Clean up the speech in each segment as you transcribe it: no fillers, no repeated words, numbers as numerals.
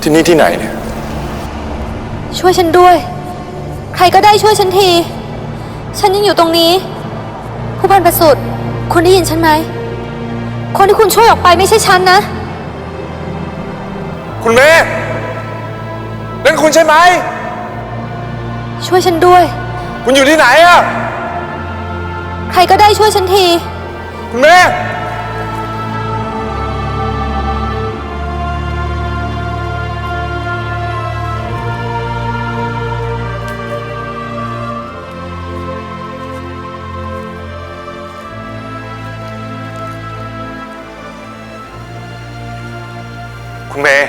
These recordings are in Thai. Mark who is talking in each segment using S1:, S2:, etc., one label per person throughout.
S1: ที่นี่ที่ไหนเนี่ย
S2: ช่วยฉันด้วยใครก็ได้ช่วยฉันทีฉันยังอยู่ตรงนี้ผู้พันประสุทธิ์คุณได้ยินฉันไหมคนที่คุณช่วยออกไปไม่ใช่ฉันนะ
S1: คุณเมย์นั่นคุณใช่ไหม
S2: ช่วยฉันด้วย
S1: คุณอยู่ที่ไหนอะ
S2: ใครก็ได้ช่วยฉันที
S1: คุณเมย์คุณเมย์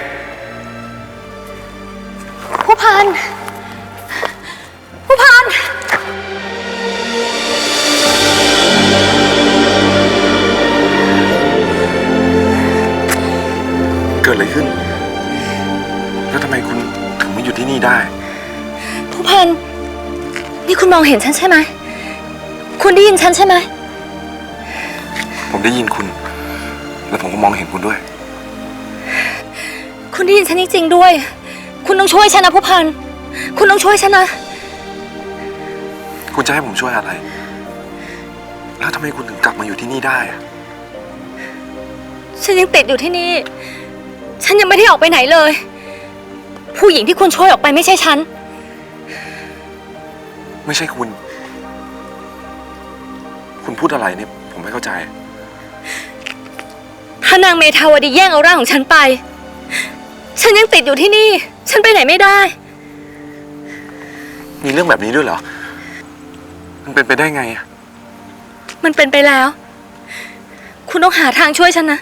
S2: ผู้พันผู้พัน
S1: เกิดอะไรขึ้นแล้วทำไมคุณถึงมาอยู่ที่นี่ได้
S2: ผู้พันนี่คุณมองเห็นฉันใช่ไหมคุณได้ยินฉันใช่ไหม
S1: ผมได้ยินคุณและผมก็มองเห็นคุณด้วย
S2: คุณได้ยินฉันจริงๆด้วยคุณต้องช่วยฉันนะผู้พันคุณต้องช่วยฉันนะ
S1: คุณจะให้ผมช่วยอะไรแล้วทำไมคุณถึงกลับมาอยู่ที่นี่ได้
S2: ฉันยังติดอยู่ที่นี่ฉันยังไม่ได้ออกไปไหนเลยผู้หญิงที่คุณช่วยออกไปไม่ใช่ฉัน
S1: ไม่ใช่คุณพูดอะไรเนี่ยผมไม่เข้าใจ
S2: ถ้านางเมธาวดีแย่งเอาร่างของฉันไปฉันยังติดอยู่ที่นี่ฉันไปไหนไม่ได้
S1: มีเรื่องแบบนี้ด้วยเหรอมันเป็นไปได้ไง
S2: มันเป็นไปแล้วคุณต้องหาทางช่วยฉันนะ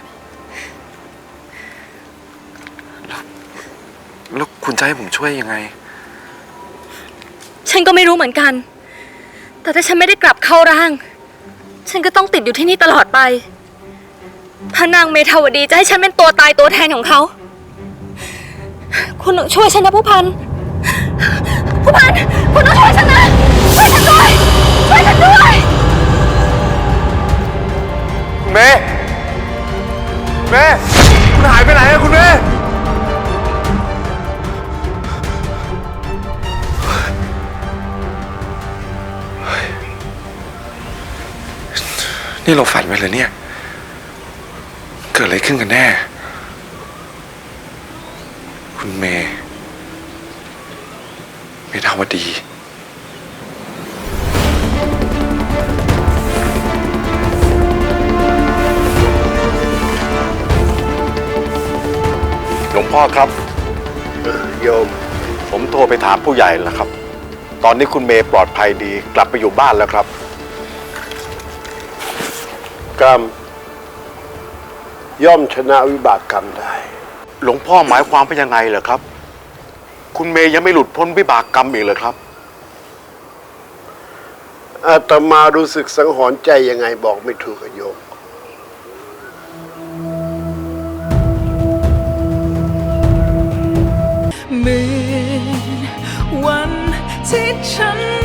S1: แล้วคุณจะให้ผมช่วยยังไง
S2: ฉันก็ไม่รู้เหมือนกันแต่ถ้าฉันไม่ได้กลับเข้าร่างฉันก็ต้องติดอยู่ที่นี่ตลอดไปพระนางเมธาวดีจะให้ฉันเป็นตัวตายตัวแทนของเขาคุณช่วยฉันนะผู้พันคุณต้องช่วยฉันนะช่วยฉันด้วยช่วยฉันด้วย
S1: คุณเมย์คุณหายไปไหนอะคุณเมย์นี่เราฝันไปเลยเนี่ยเกิดอะไรขึ้นกันแน่คุณเมธาวดี
S3: หลวงพ่อครับโยมผมโทรไปถามผู้ใหญ่แล้วครับตอนนี้คุณเมย์ปลอดภัยดีกลับไปอยู่บ้านแล้วครับ
S4: กรรมย่อมชนะวิบากกรรมได้
S3: หลวงพ่อหมายความเป็นยังไงเหรอครับคุณเมย์ยังไม่หลุดพ้นวิบากกรรมอีกเหรอครับ
S4: อาตมารู้สึกสังหรณ์ใจยังไงบอกไม่ถูกโยม
S5: เหมือนวันที่ฉัน